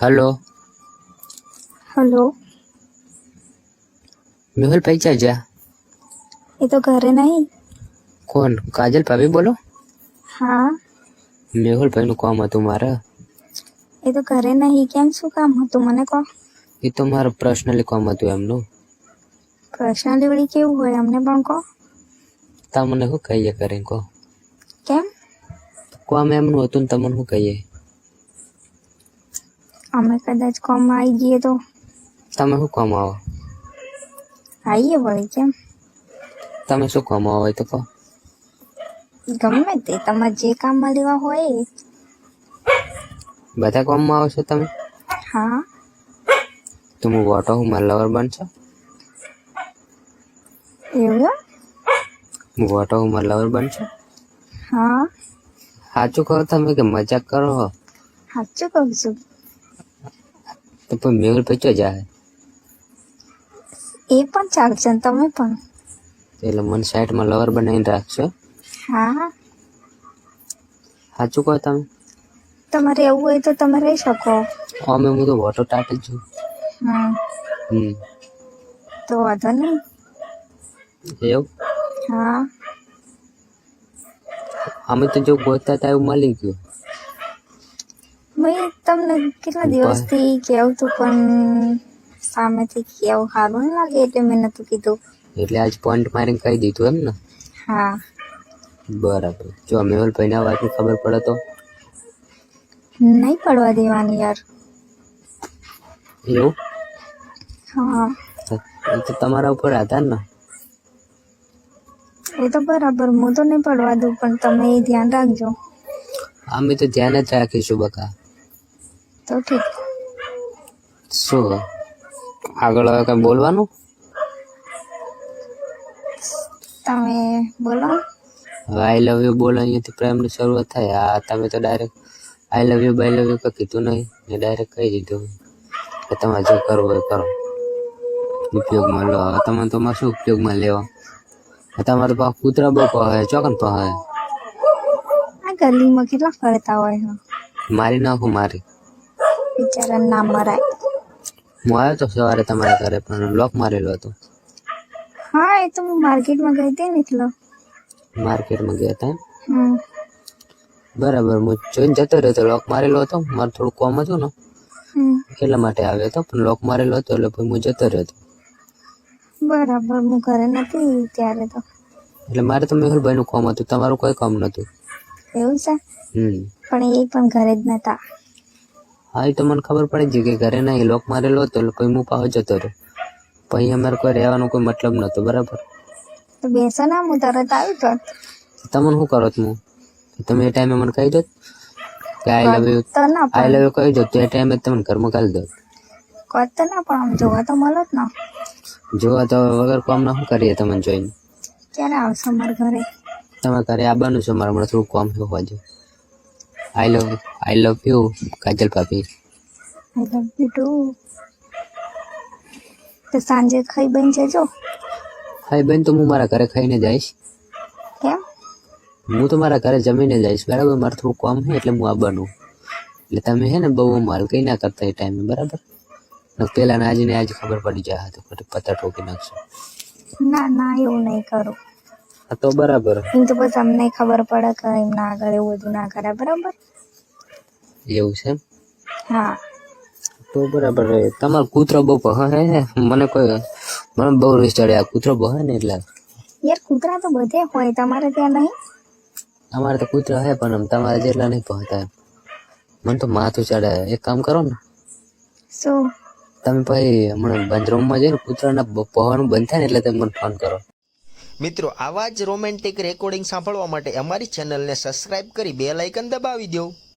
Hello hello. Mehul भाई जा ये तो घरे नहीं। कौन काजल भाभी बोलो। हाँ, मेहुल भाई નું કામ હતું મારે। ये तो घरे नहीं। केम શું કામ હતું મને કહો। એ તો મારું પર્સનલી કામ હતું એમનું। પર્સનલી વળી કેવું હોય અમને પણ કહો। તમને શું કહીએ કરે કહો। કેમ? કામ એમનું હતું ને તમને શું કહીએ। અમે કદાચ કોમમાં આવી જઈએ તો તમે શું કામ આવો। આવીએ વળી કેમ। તમે શું કામ આવો એ તો કહો। ગમે તે તમારે જે કામમાં લેવા હોય એ। બધા કામમાં આવો છો તમે। હા, તો હું વોટો હું મારા લવર બનશો। એવું એમ? હું વોટો હું મારા લવર બનશો। હા, સાચું કહો તમે કે મજાક કરો છો। સાચું કહું છું। તો પણ મેહુલ પચો જાય એ પણ ચાલશે ને તમે પણ। એટલે મને સાઈડમાં લવર બનાવીને રાખશો। હા, સાચું કહો તમે। તમારે એવું હોય તો તમે રહી શકો। અમે હું તો વોટો ટાટ જ છું। હમ, તો વાંધો નહીં। એવું હા, અમે તો જો ગોતતા હતા એવું મળી ગયું। મેં તમને કેટલા દિવસથી કહેવું હતું પણ સામેથી કેવું સારું નહીં લાગે એટલે મેં નતું કીધું। એટલે આજ પોઈન્ટ મારીને કહી દીધું એમ ને। હા, બરાબર। જો મેહુલ ભાઈને આ વાતની ખબર પડે તો નહીં પડવા દેવાની યાર। એવું હા, એ તો તમારા ઉપર આધાર ને। એ તો બરાબર, હું તો નહીં પડવા દઉં પણ તમે એ ધ્યાન રાખજો। અમે તો ધ્યાન જ રાખીશું બકા। તો ઠીક। શું આગળ હવે કઈ બોલવાનું। તમે બોલો। હવે આઈ લવ યુ બોલો અહીંયાથી પ્રેમની શરૂઆત થાય। આ તમે તો direct I love you bye love you કઈ કીધું નહીં ને ડાયરેક્ટ કહી દીધું કે તમારે જે કરવું હોય કરો। ઉપયોગમાં લો। હવે તમે તમારે શું ઉપયોગમાં લેવા। તમારે પાસે કૂતરા બહુ કહે ચોકન કહે આ ગલીમાં કેટલા ફરતા હોય છે। મારી નાખું મારી। બિચારા ના મરાય। હું આવ્યો તો સવારે તમારા ઘરે પણ લોક મારેલો હતો। હા, એ તો હું માર્કેટમાં ગઈ હતી ને એટલે। માર્કેટમાં ગયા હતા એમ? હમ, બરાબર। હું જોઈને જતો રહ્યો તો લોક મારેલો હતો। મારે થોડું કોમ હતું ને હમ, એટલા માટે આવ્યો હતો પણ લોક મારેલો હતો એટલે પછી હું જતો રહ્યો હતો। બરાબર, હું ઘરે નથી ત્યારે તો। એટલે મારે તો મેહુલભાઈ નું કામ હતું તમારું કોઈ કામ નતું। એવું છે? હમ, પણ એ પણ ઘરે જ નતા। હા એ તો મને ખબર પડી ગઈ કે ઘરે નહીં લોક મારેલો હતો એટલે પછી હું પાછો જતો રહ્યો। પછી અમારે કોઈ રહેવાનો કોઈ મતલબ નતો। બરાબર, તો બેસો ને, હું તરત આવી જાત। તમને શું કરો હું તમે એ ટાઈમે મને કહી દો કે આઈ લવ યુ તો ના આઈ લવ પણ યુ કહી દો તો એ ટાઈમે તમને ઘરમાં કાઢી દો। કત તો ના પણ આમ જોવા તો મળો જ ને। જોવા તો વગર કામ ના શું કરીએ તમને જોઈને। ક્યારે આવશો મારા ઘરે? તમારે ઘરે આવવાનું છે મારે હમણાં થોડું કામ છે હોજે। આઈ લવ યુ કાજલ ભાભી। I love you too. તો સાંજે ખાઈ બન જજો। હા બેન તો હું મારા ઘરે ખાઈને જઈશ। કેમ? હું તો મારા ઘરે જમીને જઈશ। બરાબર, મારે થોડું કામ છે એટલે હું આવવાનું। એટલે તમે હે ને બહુ માલ કઈ ના કરતા એ ટાઈમે। બરાબર, પેલા ને આજ ખબર પડી જાય તો ખોટી પત્તા ઠોકી નાખશો। ના ના, એવું નહીં કરું। હા તો બરાબર। એમ તો પછી અમને ખબર પડે કે એમ ના કરે, એવું બધું ના કરે। બરાબર? એવું છે એમ? હા, તો બરાબર। તમારો કૂતરો બહુ પહે ને મને બહુ રીસ ચડે આ કૂતરો પહે ને એટલે। યાર કૂતરા તો બધે હોય, તમારે ત્યાં નહીં? અમારે તો કૂતરા હે પણ આમ તમારે જેટલા નહીં પહોંચતા એમ। મને તો માથું ચડે। એક કામ કરો ને શું? તમે પછી હમણાં બંધ રૂમમાં જઈને કૂતરાના પહોવાનું બંધ થાય ને એટલે તમે મને ફોન કરો। મિત્રો, આવા જ રોમેન્ટિક રેકોર્ડિંગ સાંભળવા માટે અમારી ચેનલને સબસ્ક્રાઇબ કરી બેલ આઇકન દબાવી દો।